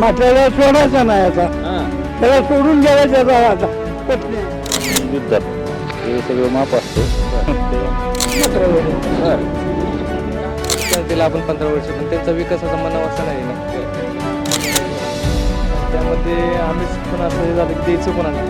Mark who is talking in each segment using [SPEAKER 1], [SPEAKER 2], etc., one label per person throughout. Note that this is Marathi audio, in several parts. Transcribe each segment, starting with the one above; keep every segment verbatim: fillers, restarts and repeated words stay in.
[SPEAKER 1] म्हटल्याला सोडायचा नाही आता, त्याला सोडून गेला आता
[SPEAKER 2] युद्धात हे सगळं माप असतं.
[SPEAKER 3] तिला आपण पंधरा वर्ष पण त्यांचा विकासाचा मनाव असा नाही ना. त्यामध्ये आम्हीच पण असं हे झालं की द्यायचं कोणाला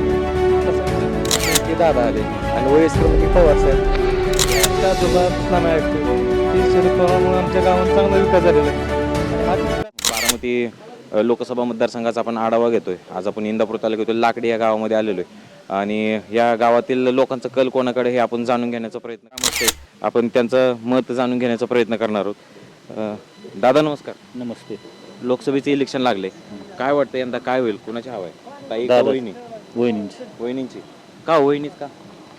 [SPEAKER 3] तसं की दादा आले आणि वयस्कर म्हणजे पवार साहेब त्या आजोबा नामे ऐकतो की शरद पवारांमुळे आमच्या गावात चांगला विकास झालेला आहे.
[SPEAKER 4] बारामती अ, लोकसभा मतदारसंघाचा आपण आढावा घेतोय. आज आपण इंदापूर तालुक्यातील लाकडी या गावामध्ये आलेलो आहे आणि या गावातील लोकांचा कल कोणाकडे हे आपण जाणून घेण्याचा प्रयत्न करतोय. आपण त्यांचं मत जाणून घेण्याचा प्रयत्न करणार आहोत. अ, दादा नमस्कार.
[SPEAKER 2] नमस्ते.
[SPEAKER 4] लोकसभेचे इलेक्शन लागले, काय वाटतं यंदा काय होईल, कुणाची हवा आहे? ताई का
[SPEAKER 2] दादा.
[SPEAKER 4] वहिनी?
[SPEAKER 2] वहिनींची
[SPEAKER 4] वहिनींची का? वहिनीच का?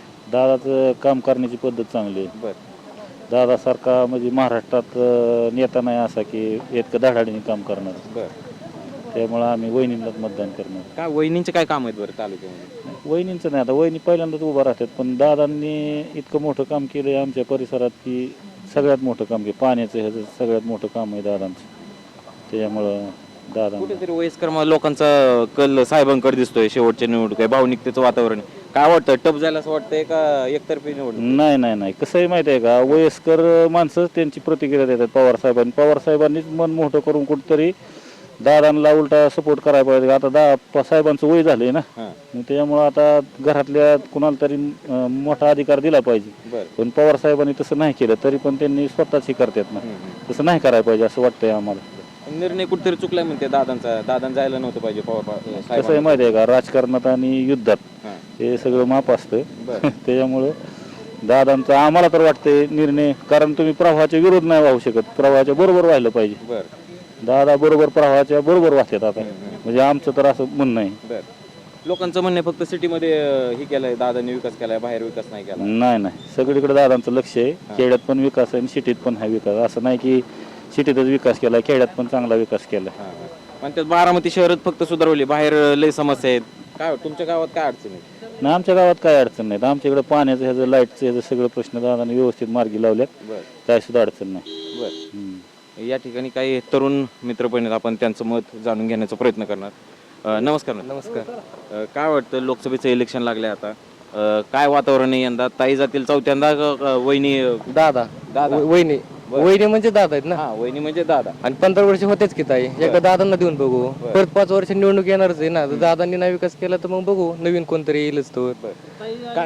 [SPEAKER 2] दादाचं काम करण्याची पद्धत चांगली आहे.
[SPEAKER 4] बर
[SPEAKER 2] दादासारखा म्हणजे महाराष्ट्रात अं, नेता नाही असा की इतकं धडाडीने काम करणार.
[SPEAKER 4] बर
[SPEAKER 2] त्यामुळं आम्ही वहिनींनाच मतदान करणार.
[SPEAKER 4] काय वहिनींचे काय काम आहेत बरं तालुक्यामध्ये?
[SPEAKER 2] वहिनींचं नाही, आता वहिनी पहिल्यांदाच उभा राहतात, पण दादांनी इतकं मोठं काम केलं आहे आमच्या परिसरात की सगळ्यात मोठं काम केलं. पाण्याचं ह्याचं सगळ्यात मोठं काम आहे दादांचं. त्याच्यामुळं दादा
[SPEAKER 4] कुठेतरी वयस्कर म- लोकांचा कल साहेबांकडे दिसतोय. शेवटच्या निवडणूक आहे, भावनिकतेचं वातावरण आहे. काय वाटतं, टप जायला असं वाटतंय का एकतर्फी निवडणूक?
[SPEAKER 2] नाही नाही नाही कसं आहे माहिती आहे का, वयस्कर माणसं त्यांची प्रतिक्रिया देतात पवार साहेबांनी. पवार साहेबांनीच मन मोठं करून कुठंतरी दादांना उलटा सपोर्ट करायला पाहिजे. आता दा प- साहेबांचं वय झालंय ना,
[SPEAKER 4] हां
[SPEAKER 2] मग त्याच्यामुळं आता घरातल्या कुणाला तरी अं, मोठा अधिकार दिला पाहिजे.
[SPEAKER 4] बरं.
[SPEAKER 2] पण पवार साहेबांनी तसं नाही केलं, तरी पण त्यांनी स्वतःच हे करतात ना. तसं नाही करायला पाहिजे असं वाटतंय आम्हाला.
[SPEAKER 4] निर्णय कुठेतरी चुकलाय म्हणते दादांचा. दादां जायला नव्हतं पाहिजे पवार पा-
[SPEAKER 2] कसं आहे
[SPEAKER 4] साहेबांना.
[SPEAKER 2] माहिती आहे का, राजकारणात आणि युद्धात
[SPEAKER 4] हां.
[SPEAKER 2] हे सगळं माप असतं.
[SPEAKER 4] बरं.
[SPEAKER 2] त्याच्यामुळं दादांचा आम्हाला तर वाटतंय निर्णय, कारण तुम्ही प्रवाहाच्या विरोध नाही वाहू शकत, प्रवाहाच्या बरोबर व्हायला पाहिजे.
[SPEAKER 4] बरं
[SPEAKER 2] दादा बरोबर प्रवाहाच्या बरोबर वाहतात आता, म्हणजे आमचं तर असं म्हणणं आहे.
[SPEAKER 4] बरं. लोकांचं म्हणणं आहे फक्त सिटीमध्ये अं, हे केलंय दादांनी, विकास केलाय, बाहेर विकास नाही केला.
[SPEAKER 2] नाही नाही सगळीकडे दादांचं लक्ष आहे. खेड्यात पण विकास आहे आणि सिटीत पण आहे विकास. असं नाही की सिटीतच विकास केला, खेड्यात पण चांगला विकास केला.
[SPEAKER 4] हां हां. पण त्यात बारामती शहरात फक्त सुधारवली, बाहेर लय समस्या आहेत. काय तुमच्या गावात काय अडचण आहे?
[SPEAKER 2] नाही आमच्या गावात काय अडचण नाही. आमच्या इकडे पाण्याचं ह्याचं लाईटचं ह्याचं सगळं प्रश्न दादाने व्यवस्थित मार्गी लावल्यात.
[SPEAKER 4] बरं
[SPEAKER 2] काय सुद्धा अडचण नाही.
[SPEAKER 4] बरं.
[SPEAKER 2] हम्म.
[SPEAKER 4] या ठिकाणी काही तरुण मित्र पण आहेत, आपण त्यांचं मत जाणून घेण्याचा प्रयत्न करणार. अ, नमस्कार.
[SPEAKER 3] नमस्कार.
[SPEAKER 4] अ, काय वाटतं, लोकसभेचं इलेक्शन लागले आता, अ, काय वातावरण आहे यंदा? ताई जातील चौथ्यांदा का- का वहिनी?
[SPEAKER 3] दादा
[SPEAKER 4] दादा.
[SPEAKER 3] व- वहिनी
[SPEAKER 4] बरं.
[SPEAKER 3] वहिनी म्हणजे दादा आहेत ना.
[SPEAKER 4] हा, वहिनी म्हणजे दादा.
[SPEAKER 3] आणि पंधरा वर्ष होतेच की ताई, एकदा दादांना देऊन बघू.
[SPEAKER 4] बरं.
[SPEAKER 3] परत पाच वर्ष निवडणूक येणारच आहे ना. तर दादांनी नाही विकास केला तर मग बघू, नवीन कोणतरी येईलच तो.
[SPEAKER 4] काय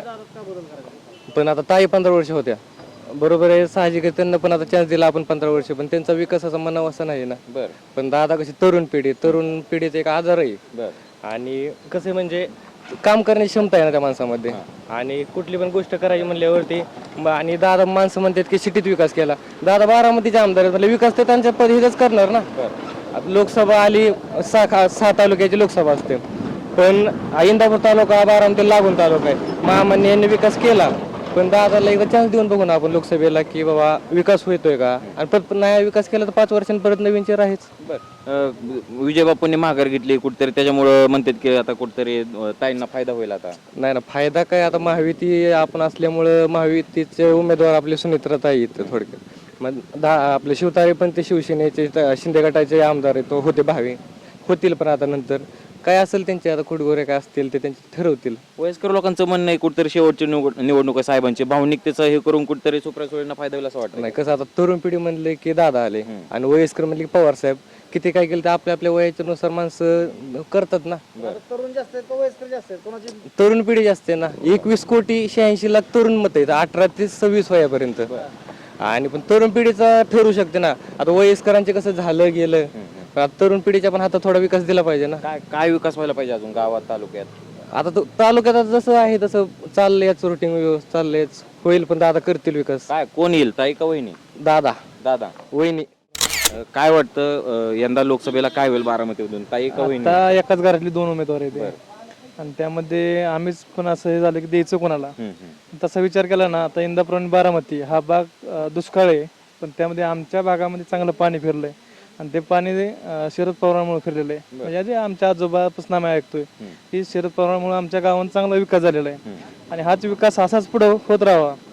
[SPEAKER 3] पण आता ताई पंधरा वर्ष होत्या, बरोबर आहे, साहजिक आहे, त्यांना पण आता चान्स दिला आपण पंधरा वर्ष, पण त्यांचा विकासाचा मनाव असा नाही ना.
[SPEAKER 4] बर
[SPEAKER 3] पण दादा कशी तरुण पिढी, तरुण पिढीचा एक आजार आहे.
[SPEAKER 4] बर
[SPEAKER 3] आणि कसं आहे म्हणजे काम करण्याची क्षमता आहे ना त्या माणसामध्ये. आणि कुठली पण गोष्ट करायची म्हणल्यावरती म- आणि दादा माणसं म्हणतात की सिटीत विकास केला. दादा बारामतीचे आमदार आहेत, म्हणजे विकास ते त्यांच्या पद्धतीच करणार ना. आता लोकसभा आली, सहा सहा तालुक्याची लोकसभा असते, पण इंदापूर तालुका बारामती लागून तालुका आहे. महामान्य यांनी विकास केला, पण दादाला एकदा चान्स देऊन बघू ना आपण लोकसभेला की बाबा विकास होतोय का. आणि परत नाही विकास केला तर पाच वर्षांनी परत नवीन चेहरा आहेच.
[SPEAKER 4] बर विजय बापूंनी माघार घेतली कुठतरी, त्याच्यामुळं म्हणतात की आता कुठतरी अं, ताईंना फायदा होईल आता.
[SPEAKER 3] नाही ना, फायदा काय, आता महायुती आपण असल्यामुळं महायुतीचे उमेदवार आपले सुमित्राताई आहेत थोडक्यात. मग दहा आपले शिवतारे पण ते शिवसेनेचे त- शिंदे गटाचे आमदार आहेत, तो होते भावे होतील, पण आता नंतर काय असेल त्यांचे आता खुडगोरे काय असतील ते त्यांचे ठरवतील.
[SPEAKER 4] वयस्कर लोकांचं म्हणणं आहे कुठतरी शेवटची निवड- निवडणूक आहे साहेबांची, भावनिकतेचं हे करून कुठतरी सुप्रिया सुळेंना फायदा होईल असं वाटतं.
[SPEAKER 3] नाही कसं, आता तरुण पिढी म्हणले की दादा आले आणि वयस्कर म्हणले की पवार साहेब. किती काय केलं तर आपल्या आपल्या वयाच्या नुसार माणसं करतात ना.
[SPEAKER 1] तरुण जास्त आहेत का वयस्कर जास्त आहेत, कोणाची
[SPEAKER 3] तरुण पिढी जास्त आहे ना. एकवीस कोटी शहाऐंशी लाख तरुण मत आहेत अठरा ते सव्वीस वयापर्यंत. आणि पण तरुण पिढीचा ठरू शकते ना. आता वयस्करांचे कसं झालं गेलं, पण आता तरुण पिढीच्या पण हातात थोडा विकास दिला पाहिजे ना.
[SPEAKER 4] काय काय विकास व्हायला पाहिजे अजून गावात तालुक्यात?
[SPEAKER 3] आता तो तालुक्यात आता जसं आहे तसं चाललंयच, रुटीन व्यवस्थित चाललंयच, होईल, पण दादा करतील विकास.
[SPEAKER 4] काय कोण येईल, ताई का वहिनी?
[SPEAKER 3] दादा
[SPEAKER 4] दादा.
[SPEAKER 3] वहिनी.
[SPEAKER 4] अं, काय वाटतं, अं, यंदा लोकसभेला काय होईल बारामतीमधून, ताई का वहिनी?
[SPEAKER 5] आता एकाच घरातली दोन उमेदवार आहेत आणि त्यामध्ये आम्हीच पण असं हे झालं की द्यायचं कोणाला.
[SPEAKER 4] हम्म, हम्म.
[SPEAKER 5] तसा विचार केला ना, आता इंदापूर आणि बारामती हा भाग अं, दुष्काळ आहे, पण त्यामध्ये आमच्या भागामध्ये चांगलं पाणी फिरलंय आणि ते पाणी अं, शरद पवारांमुळे फिरलेलं आहे. म्हणजे आधी आमच्या आजोबापासून आम्ही ऐकतोय की शरद पवारांमुळे आमच्या गावात चांगला विकास झालेला आहे आणि हाच विकास असाच पुढे होत राहावा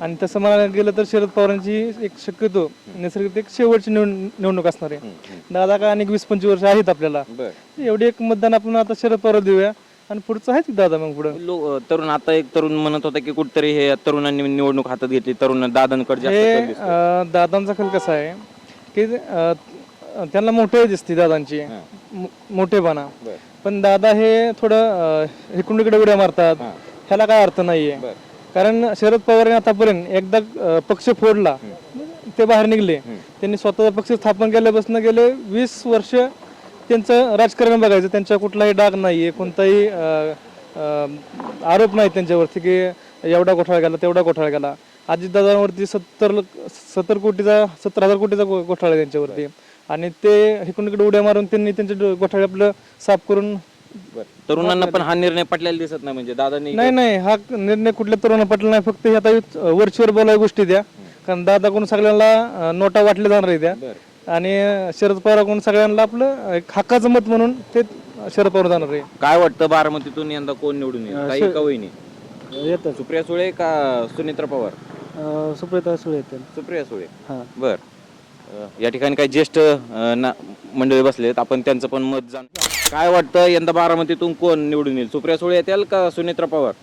[SPEAKER 5] आणि तसं म्हणायला गेलं तर शरद पवारांची एक शक्यतो नैसर्गिक एक शेवटची निवड- निवडणूक असणार आहे. दादा का अनेक वीस पंचवीस वर्ष आहेत आपल्याला, एवढी एक मतदान आपण आता शरद पवार देऊया आणि पुढचं आहेच दादा मग पुढं.
[SPEAKER 4] लो- तरुण आता एक तरुण म्हणत होता की कुठतरी हे तरुणांनी निवडणूक हातात घेतली, तरुण दादांकडे जास्त
[SPEAKER 5] हे
[SPEAKER 4] कल दिसतोय.
[SPEAKER 5] अं, दादांचा कल कसा आहे की अं, त्यांना मोठे दिसते दादांची मो- मोठेपणा, पण दादा हे थोडं अं, इकडून इकडे उड्या मारतात, ह्याला काय अर्थ नाहीये. कारण शरद पवारांनी आतापर्यंत एकदा अं, पक्ष फोडला ते बाहेर निघले, त्यांनी स्वतःचा पक्ष स्थापन केल्यापासून गेले वीस वर्ष त्यांचं राजकारण बघायचं, त्यांच्या कुठलाही डाग नाहीये, कोणताही अं, अं, आरोप नाही त्यांच्यावरती की एवढा घोटाळा गेला तेवढा घोटाळा गेला. अजितदादांवरती सत्तर सत्तर कोटीचा सत्तर हजार कोटीचा घो- घोटाळा आहे त्यांच्यावरती, आणि ते इकडून इकडे उड्या मारून त्यांनी त्यांचे डो- घोटाळे आपलं साफ करून.
[SPEAKER 4] तरुणांना पण हा निर्णय पटलेला दिसत नाही, म्हणजे दादांनी
[SPEAKER 5] नाही नाही हा निर्णय कुठल्या तरुण पटला नाही, फक्त हे आता वरचीवर बोलाय गोष्टी द्या, कारण दादाकडून सगळ्यांना अं, नोटा वाटल्या जाणार आहे त्या, आणि शरद पवाराकडून सगळ्यांना आपलं एक हक्काचं मत म्हणून ते शरद पवार जाणार आहे.
[SPEAKER 4] काय वाटतं बारामतीतून यंदा कोण निवडून येईल? काही का वहिनी
[SPEAKER 1] येतात
[SPEAKER 4] सुप्रिया सुळे का सुनेत्रा पवार?
[SPEAKER 1] सुप्रिया सुळे येतात.
[SPEAKER 4] सुप्रिया सुळे.
[SPEAKER 1] हा.
[SPEAKER 4] बर. अ, या ठिकाणी काही ज्येष्ठ अ, ना- मंडळी बसलेत, आपण त्यांचं पण मत जाण. काय वाटतं यंदा बारामतीतून कोण निवडून येईल? सुप्रिया सुळे येतील का सुनेत्रा पवार?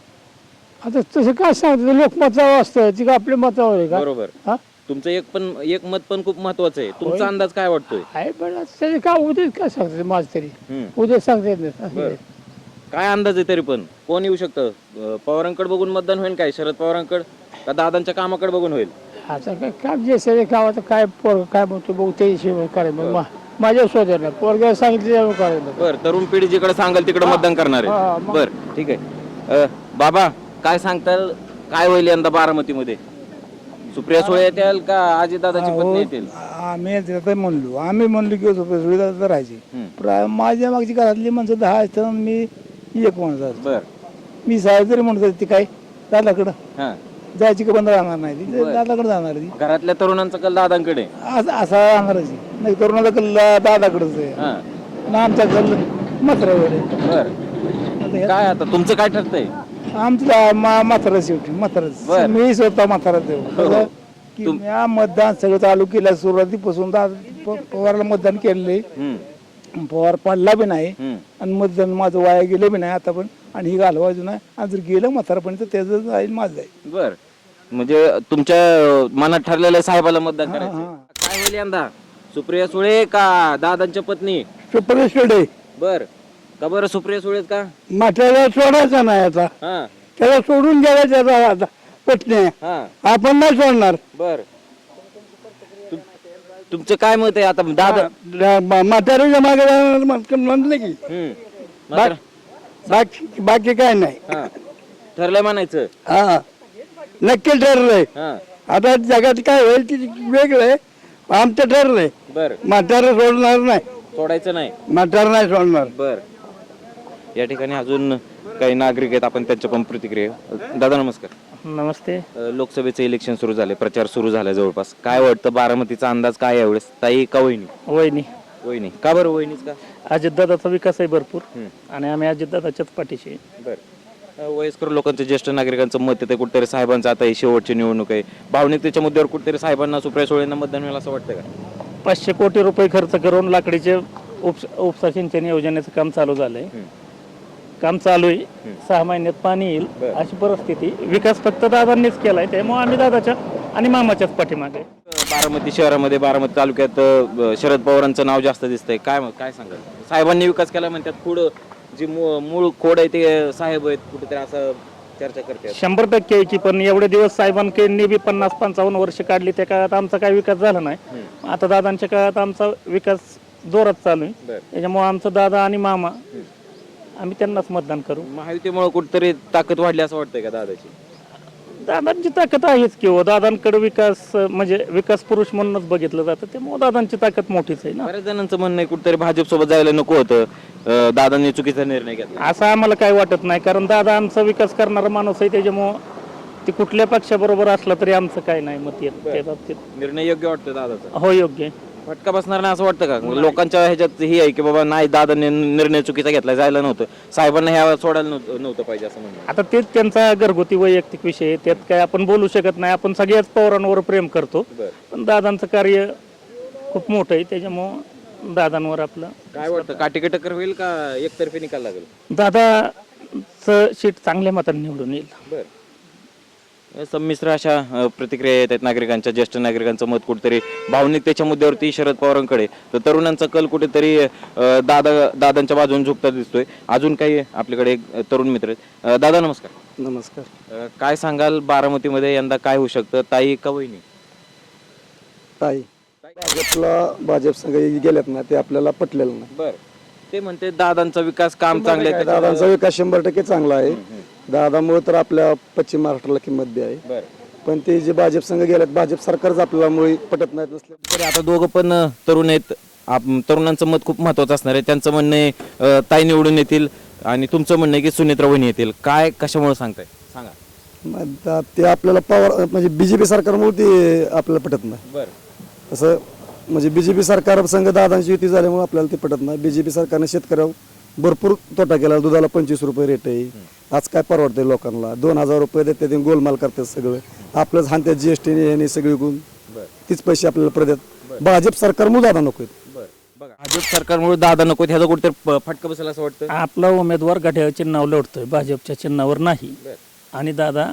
[SPEAKER 1] आता तसं काय सांगतो, लोकमतावर असतं ती का आपल्या मतावर आहे का?
[SPEAKER 4] बरोबर.
[SPEAKER 1] हा
[SPEAKER 4] तुमचं एक पण एक मत पण खूप महत्वाचं आहे. तुमचा अंदाज काय वाटतोय?
[SPEAKER 1] आहे, पण आता त्याचे काय उद्या काय सांगते माझ तरी
[SPEAKER 4] हम्म.
[SPEAKER 1] उद्या सांगता येत नाही असं
[SPEAKER 4] बरं.
[SPEAKER 1] आहे.
[SPEAKER 4] काय अंदाज आहे तरी पण कोण येऊ शकतं? अ, पवारांकडे बघून मतदान होईल काय? शरद पवारांकडे का दादांच्या कामाकडे बघून होईल?
[SPEAKER 1] आता काय काम जे सगळे काम आता काय पोर काय म्हणतो बघू ते हिशोब करायचं मग मा- माझ्या शोधायला नाही, पोरग्या सांगितलं त्यावर करायला.
[SPEAKER 4] बर, तरुण पिढी जिकडे सांगाल तिकडे मतदान करणार
[SPEAKER 1] हा,
[SPEAKER 4] आहे.
[SPEAKER 1] मग.
[SPEAKER 4] बर, ठीक आहे. अ, बाबा काय सांगताल, काय होईल यंदा बारामतीमध्ये? सुप्रिया सुळे येतील का अजितदादाची पत्नी येतील?
[SPEAKER 6] आम्ही आता म्हणलो आम्ही म्हणलो की सुविधा तर राहायची.
[SPEAKER 4] हम्म.
[SPEAKER 6] प्रा- माझ्या मागची घरातली माणसं दहा असतात, मी एक माणूस असतो.
[SPEAKER 4] बर.
[SPEAKER 6] मी साहेब जरी म्हणत होते ती काय दादाकडं
[SPEAKER 4] हा.
[SPEAKER 6] जायची का बंद राहणार नाही ती
[SPEAKER 4] बरं.
[SPEAKER 6] दादाकडे जाणार ती
[SPEAKER 4] घरातल्या तरुणांचा कल दादांकडे.
[SPEAKER 6] असं असा राहणारच आहे. नाही तरुणाचा कल्ला दादाकडेच आहे
[SPEAKER 4] हा.
[SPEAKER 6] ना आमचा कल मात्रावर आहे.
[SPEAKER 4] बर.
[SPEAKER 6] आता ह्या-
[SPEAKER 4] काय आता तुमचं काय ठरतंय?
[SPEAKER 6] आमचं माथारच शेवटी माथारच
[SPEAKER 4] बरं.
[SPEAKER 6] मी स्वतः माथारच
[SPEAKER 4] हो.
[SPEAKER 6] देऊ की
[SPEAKER 4] तुम-
[SPEAKER 6] मी मतदान सगळं चालू केलं सुरुवातीपासून दादा प- पवारला मतदान केलेलं
[SPEAKER 4] हम्म.
[SPEAKER 6] पवार पडला बी नाही
[SPEAKER 4] हम्म.
[SPEAKER 6] आणि मतदान माझं वाया गेलं बी नाही आता पण, आणि ही घालवायचं नाही, आणि जर गेलं म्हातारपणी तर त्याचं जाईल माझं जाईल.
[SPEAKER 4] बर, म्हणजे तुमच्या अ, मनात ठरलेल्या साहेबाला मतदान करायचं.
[SPEAKER 6] हा.
[SPEAKER 4] काय होईल यंदा? सुप्रिया सुळे का दादांच्या पत्नी?
[SPEAKER 1] सुप्रिया
[SPEAKER 4] बर. का बरं सुप्रिया सुळेच का?
[SPEAKER 1] माठाला सोडायचा नाही आता,
[SPEAKER 4] हा.
[SPEAKER 1] त्याला सोडून द्यायला त्याचा आता पत्नी आहे.
[SPEAKER 4] हा.
[SPEAKER 1] आपण नाही सोडणार.
[SPEAKER 4] बर. तुम- तुमचं काय मत आहे आता दादा?
[SPEAKER 1] म्हाताऱ्याच्या मागे जाणार म्हण- म्हणलं की
[SPEAKER 4] हम्म. मात्र-
[SPEAKER 1] बाकी बाकी काय नाही.
[SPEAKER 4] हा. ठरलंय म्हणायचं.
[SPEAKER 1] हा नक्की ठरलंय.
[SPEAKER 4] हा.
[SPEAKER 1] आता जगात काय होईल ती वेगळं आहे, आमचं ठरलंय
[SPEAKER 4] बर.
[SPEAKER 1] म्हातारा सोडणार नाही,
[SPEAKER 4] सोडायचं नाही.
[SPEAKER 1] म्हातारा नाही सोडणार.
[SPEAKER 4] बर. या ठिकाणी अजून काही नागरिक आहेत, आपण त्यांच्या पण प्रतिक्रिया. दादा नमस्कार.
[SPEAKER 3] नमस्ते.
[SPEAKER 4] अ, लोकसभेचं इलेक्शन सुरू झाले, प्रचार सुरू झाला जवळपास. काय वाटतं बारामतीचा अंदाज काय यावेळेस? ताई का वहिनी?
[SPEAKER 3] वहिनी
[SPEAKER 4] वहिनी. का बरं वहिनीच का?
[SPEAKER 3] अजितदादाचा विकास आहे भरपूर,
[SPEAKER 4] हम्म.
[SPEAKER 3] आणि आम्ही अजितदादाच्याच पाठीशी आहे.
[SPEAKER 4] बर. अ, वयस्कर लोकांचं, ज्येष्ठ नागरिकांचं मत येते कुठेतरी साहेबांचं आता ही शेवटची निवडणूक आहे, भावनिकतेच्या मुद्द्यावर कुठेतरी साहेबांना, सुप्रिया सुळेंना मतदान मिळेल असं वाटतं का?
[SPEAKER 3] पाचशे कोटी रुपये खर्च करून लाकडीचे उपस उपसा सिंचन योजनेचं काम चालू झालंय. काम चालू आहे, सहा महिन्यात पाणी येईल
[SPEAKER 4] बरं.
[SPEAKER 3] अशी परिस्थिती. विकास फक्त दादांनीच केलाय, त्यामुळे आम्ही दादाच्या आणि मामाच्याच पाठीमागे आहे.
[SPEAKER 4] बारामती शहरामध्ये, बारामती तालुक्यात अ, शरद पवारांचं नाव जास्त दिसतंय. काय काय सांगाल? साहेबांनी विकास केला म्हणतात, पुढं जी मू- मूळ खोड आहे ते साहेब आहेत, कुठेतरी असं चर्चा करते.
[SPEAKER 3] शंभर टक्के आहे की, पण एवढे दिवस साहेबांकडे बी पन्नास पंचावन्न वर्ष काढली, त्या काळात आमचा काही विकास झाला नाही. आता दादांच्या काळात आमचा विकास जोरात चालू आहे,
[SPEAKER 4] बरं.
[SPEAKER 3] त्याच्यामुळे आमचं दादा आणि मामा आम्ही त्यांनाच मतदान करू.
[SPEAKER 4] महायुतीमुळे कुठेतरी ताकद वाढली असं वाटतंय का दादाची?
[SPEAKER 3] दादांची ताकद आहेच किंवा दादांकडे विकास अं, म्हणजे विकास पुरुष म्हणूनच बघितलं जातं, त्यामुळे दादांची ताकद मोठीच आहे ना.
[SPEAKER 4] बऱ्याच जणांचं म्हणणं आहे कुठेतरी भाजप सोबत जायला नको होतं, अ, दादांनी चुकीचा निर्णय घेतला.
[SPEAKER 3] असं आम्हाला काही वाटत नाही, कारण दादा आमचा विकास करणारा माणूस आहे, त्याच्यामुळं ते कुठल्या पक्षाबरोबर असला तरी आमचं काही नाही मत येत त्या बाबतीत.
[SPEAKER 4] निर्णय योग्य वाटतो दादाचा.
[SPEAKER 3] हो, योग्य आहे.
[SPEAKER 4] फटका बसणार नाही असं वाटतं का लोकांच्या ह्याच्यात ही आहे की बाबा नाही दादाने निर्णय चुकीचा घेतला जायला नव्हतं साहेबांना ह्या सोडायला नव्हतं नव्हतं पाहिजे असं म्हणणं
[SPEAKER 2] आता तेच त्यांचा घरगुती वैयक्तिक विषय आहे, त्यात काय आपण बोलू शकत नाही. आपण सगळ्याच पवारांवर प्रेम करतो, पण दादांचं कार्य खूप मोठं आहे, त्याच्यामुळं दादांवर आपलं.
[SPEAKER 4] काय वाटतं काटेकी टक्कर होईल का एकतर्फी निकाल लागेल?
[SPEAKER 2] दादाचं सीट चांगल्या मताने निवडून येईल.
[SPEAKER 4] बरं संमिश्र अशा अ, प्रतिक्रिया येत आहेत नागरिकांच्या. ज्येष्ठ नागरिकांचं मत कुठेतरी भावनिकतेच्या मुद्द्यावरती शरद पवारांकडे, तर तरुणांचा कल कुठेतरी अ, दादा दादांच्या बाजूने झुकता दिसतोय. अजून काही आपल्याकडे एक अ, तरुण मित्र आहेत. अ, दादा नमस्कार.
[SPEAKER 7] नमस्कार.
[SPEAKER 4] अ, काय सांगाल बारामतीमध्ये यंदा काय होऊ शकतं, ताई का वहिनी?
[SPEAKER 7] ताई भाजपला भाजप संघ गेल्यात ना ते आपल्याला पटलेलं नाही.
[SPEAKER 4] बर ते म्हणते दादांचा विकास काम चांगले
[SPEAKER 7] काय, दादांचा विकास शंभर टक्के चांगला आहे. दादामुळे तर आपल्या पश्चिम महाराष्ट्राला किंमत बी आहे.
[SPEAKER 4] बर
[SPEAKER 7] पण ते जे भाजप संघ गेल्यात भाजप सरकारच आपल्याला मुळे पटत नाहीत नसले.
[SPEAKER 4] तरी आता दोघं पण अ, तरुण आहेत. आप- तरुणांचं मत खूप महत्वाचं असणार आहे. त्यांचं म्हणणं आहे अ, ताई निवडून येतील आणि तुमचं म्हणणं आहे की सुनेत्रा वहिनी येतील. काय कशामुळे सांगताय सांगा?
[SPEAKER 7] मग दा- ते आपल्याला पवार म्हणजे बीजेपी सरकारमुळे ते आपल्याला पटत नाही.
[SPEAKER 4] बर
[SPEAKER 7] तसं म्हणजे बीजेपी सरकार संघ दादांची युती झाल्यामुळे आपल्याला ते पटत नाही. बीजेपी सरकारने शेतकऱ्यावर भरपूर तोटा केला. दुधाला पंचवीस रुपये रेट आहे. आज काय परवडते लोकांना? दोन हजार रुपये देते ते गोलमाल करतात सगळं. आपलंच हानत्यात जीएसटी यांनी सगळी गुण तीच पैसे आपल्याला प्रदेत. भाजप सरकारमुळे दादा नको
[SPEAKER 4] बर बघा भाजप सरकारमुळे दादा नको ह्याचा कुठेतरी प- फटका बसेल असं वाटतं.
[SPEAKER 2] आपला उमेदवार घड्याळ चिन्हावर लढतोय, भाजपच्या चिन्हावर नाही. आणि दादा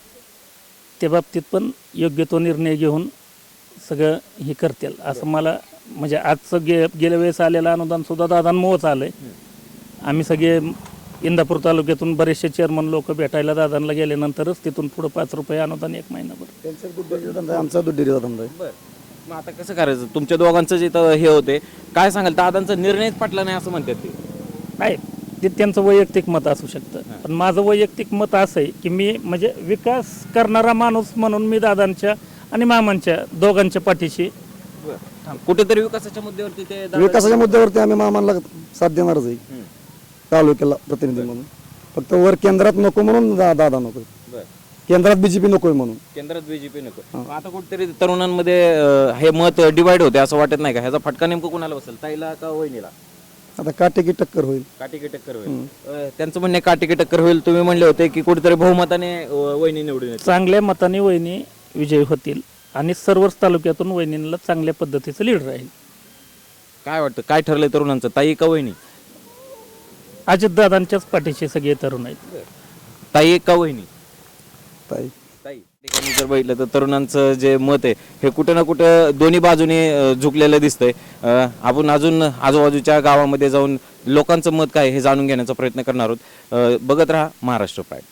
[SPEAKER 2] त्या बाबतीत पण योग्य तो निर्णय घेऊन सगळं हे करतील असं मला म्हणजे आजचं गे गेल्या वेळेस आलेलं अनुदान सुद्धा दादांमुळंच आलंय. आम्ही सगळे इंदापूर तालुक्यातून बरेचसे चेअरमन लोक भेटायला दादांना गेल्यानंतरच तिथून पुढे पाच रुपये अनुदान एक महिनाभर.
[SPEAKER 7] त्यांचा दूध डेअरीचा धंदा आहे, आमचा दूध डेअरीचा धंदा आहे.
[SPEAKER 4] बर मग आता कसं करायचं? तुमच्या दोघांचं जे इथं हे होते काय सांगाल? दादांचा निर्णयच पटला नाही असं म्हणतात ते.
[SPEAKER 2] आहे ते त्यांचं वैयक्तिक मत असू शकतं, पण माझं वैयक्तिक मत असं आहे की मी म्हणजे विकास करणारा माणूस म्हणून मी दादांच्या आणि मामांच्या दोघांच्या पाठीशी.
[SPEAKER 4] कुठेतरी विकासाच्या मुद्द्यावरती ते दादा-
[SPEAKER 7] विकासाच्या मुद्द्यावरती आम्ही मामांना साथ देणारच आहे तालुक्याला प्रतिनिधी म्हणून. फक्त वर केंद्रात नको म्हणून दा- दादा नको,
[SPEAKER 4] बर
[SPEAKER 7] केंद्रात बीजेपी नकोय म्हणून.
[SPEAKER 4] केंद्रात बीजेपी नको. आता कुठेतरी तरुणांमध्ये अ, हे मत डिवाइड होते असं वाटत नाही का? ह्याचा फटका नेमकं कुणाला बसेल, ताईला का वहिनीला?
[SPEAKER 7] आता काटेकी टक्कर होईल.
[SPEAKER 4] काटेकी टक्कर होईल. अ, त्यांचं म्हणणे काटेकी टक्कर होईल. तुम्ही म्हणले होते की कुठेतरी बहुमताने अ, वहिनी निवडून येतील.
[SPEAKER 2] चांगल्या मताने वहिनी विजयी होतील आणि सर्वच तालुक्यातून वहिनीला चांगल्या पद्धतीचं लीड राहील.
[SPEAKER 4] काय वाटतं काय ठरलंय तरुणांचं, ताई का वहिनी?
[SPEAKER 2] अजितदादांच्याच पाठीशी सगळे तरुण आहेत.
[SPEAKER 4] ताई का वहिनी?
[SPEAKER 7] ताई
[SPEAKER 4] ताई ठिकाणी जर बघितलं तर तरुणांचं जे मत आहे हे कुठं ना कुठं दोन्ही बाजूने अ, झुकलेलं दिसतंय. अ, आपण अजून आजूबाजूच्या गावामध्ये जाऊन लोकांचं मत काय हे जाणून घेण्याचा प्रयत्न करणार आहोत. अ, बघत राहा महाराष्ट्र प्राईड.